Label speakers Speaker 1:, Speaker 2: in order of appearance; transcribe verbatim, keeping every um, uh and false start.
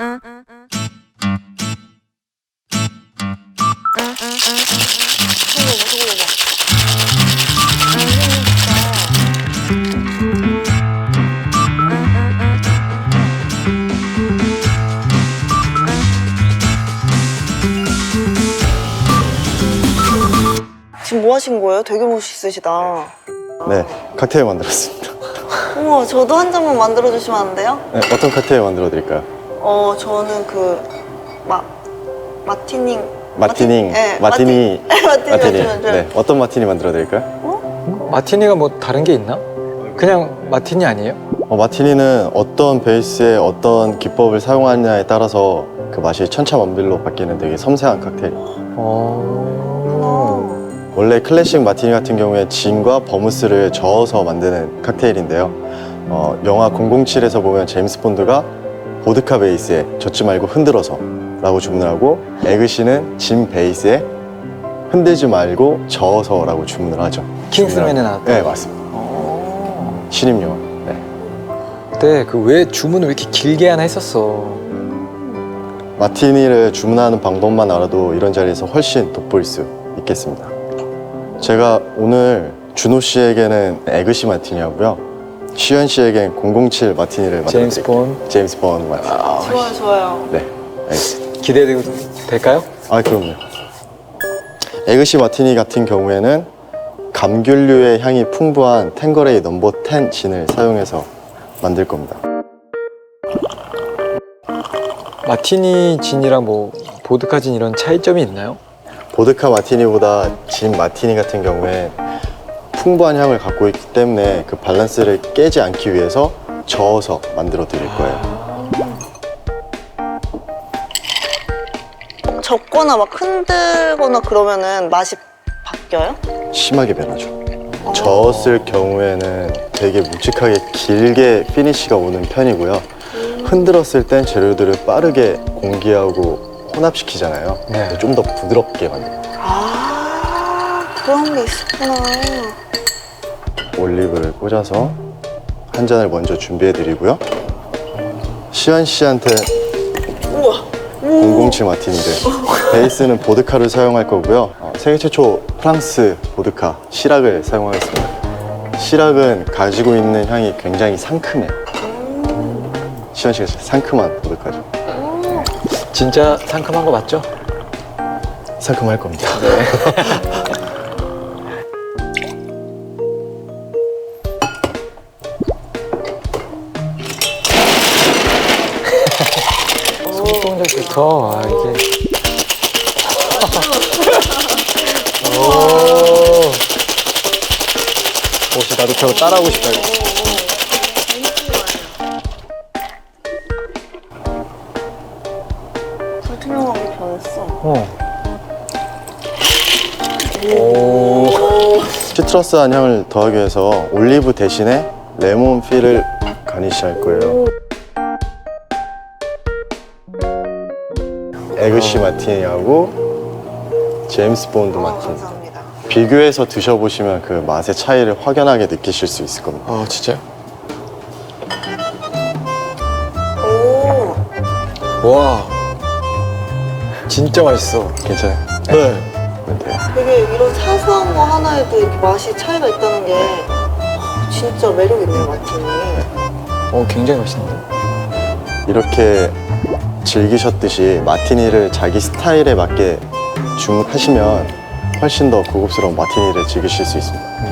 Speaker 1: 지금 뭐 하신 거예요? 되게 멋있으시다.
Speaker 2: 네, 칵테일 만들었습니다.
Speaker 1: 우와, 저도 한 잔만 만들어 주시면 안 돼요?
Speaker 2: 네, 어떤 칵테일 만들어 드릴까요?
Speaker 1: 어, 저는 그 마, 마티닝
Speaker 2: 마티닝,
Speaker 1: 네,
Speaker 2: 마티니,
Speaker 1: 마티, 마티니,
Speaker 2: 마티니.
Speaker 1: 마티니.
Speaker 2: 네, 어떤 마티니 만들어 드릴까요?
Speaker 1: 어?
Speaker 3: 마티니가 뭐 다른 게 있나? 그냥 마티니 아니에요?
Speaker 2: 어, 마티니는 어떤 베이스에 어떤 기법을 사용하느냐에 따라서 그 맛이 천차만별로 바뀌는 되게 섬세한 칵테일.
Speaker 3: 어...
Speaker 2: 원래 클래식 마티니 같은 경우에 진과 버무스를 저어서 만드는 칵테일인데요. 어, 영화 공공칠에서 보면 제임스 본드가 보드카 베이스에 젓지 말고 흔들어서 라고 주문을 하고, 에그시는 진 베이스에 흔들지 말고 저어서 라고 주문을 하죠.
Speaker 3: 킹스맨에 나왔던
Speaker 2: 네, 맞습니다.
Speaker 3: 어...
Speaker 2: 신임용어. 네.
Speaker 3: 그때 그 왜 주문을 왜 이렇게 길게 하나 했었어.
Speaker 2: 마티니를 주문하는 방법만 알아도 이런 자리에서 훨씬 돋보일 수 있겠습니다. 제가 오늘 준호 씨에게는 에그시 마티니 하고요, 시현 씨에겐 공공칠 마티니를 만들어
Speaker 3: 제임스
Speaker 2: 드릴게요.
Speaker 3: 본.
Speaker 2: 제임스 본 마티니.
Speaker 3: 아,
Speaker 1: 좋아요, 좋아요.
Speaker 2: 네, 알겠습니다.
Speaker 3: 기대해도 될까요?
Speaker 2: 아, 그럼요. 에그시 마티니 같은 경우에는 감귤류의 향이 풍부한 탱거레이 넘버 텐 진을 사용해서 만들 겁니다.
Speaker 3: 마티니 진이랑 뭐 보드카 진 이런 차이점이 있나요?
Speaker 2: 보드카 마티니보다 진 마티니 같은 경우에 풍부한 향을 갖고 있기 때문에 그 밸런스를 깨지 않기 위해서 저어서 만들어 드릴 거예요.
Speaker 1: 적거나 막 흔들거나 그러면은 맛이 바뀌어요?
Speaker 2: 심하게 변하죠. 저었을 경우에는 되게 묵직하게 길게 피니쉬가 오는 편이고요. 흔들었을 땐 재료들을 빠르게 공기하고 혼합시키잖아요.
Speaker 3: 네.
Speaker 2: 좀 더 부드럽게 만듭니다.
Speaker 1: 아, 그런 게 있었구나.
Speaker 2: 올리브를 꽂아서 한 잔을 먼저 준비해 드리고요. 시현 씨한테
Speaker 1: 우와.
Speaker 2: 공공칠 마티니를, 베이스는 보드카를 사용할 거고요. 어, 세계 최초 프랑스 보드카 시락을 사용하겠습니다. 시락은 가지고 있는 향이 굉장히 상큼해요. 시현 씨가 상큼한 보드카죠.
Speaker 3: 진짜 상큼한 거 맞죠?
Speaker 2: 상큼할 겁니다.
Speaker 3: 손동작부터 아 이게 오, 혹시 나도 저거 따라하고 싶다. 이거.
Speaker 1: 불투명하게 변했어.
Speaker 3: 어. 오.
Speaker 2: 시트러스한 향을 더하기 위해서 올리브 대신에 레몬 필을 가니쉬할 거예요. 에그시 마티니하고 제임스 본드
Speaker 1: 아,
Speaker 2: 마티니.
Speaker 1: 감사합니다.
Speaker 2: 비교해서 드셔보시면 그 맛의 차이를 확연하게 느끼실 수 있을 겁니다.
Speaker 3: 아 진짜요?
Speaker 1: 오,
Speaker 3: 와. 진짜 맛있어.
Speaker 2: 괜찮아요?
Speaker 3: 네.
Speaker 2: 그러면 돼요.
Speaker 1: 되게 이런 사소한 거 하나에도 이렇게 맛이 차이가 있다는 게 진짜 매력 있네요, 마티니.
Speaker 3: 어 굉장히 맛있는데.
Speaker 2: 이렇게 즐기셨듯이 마티니를 자기 스타일에 맞게 주문하시면 훨씬 더 고급스러운 마티니를 즐기실 수 있습니다.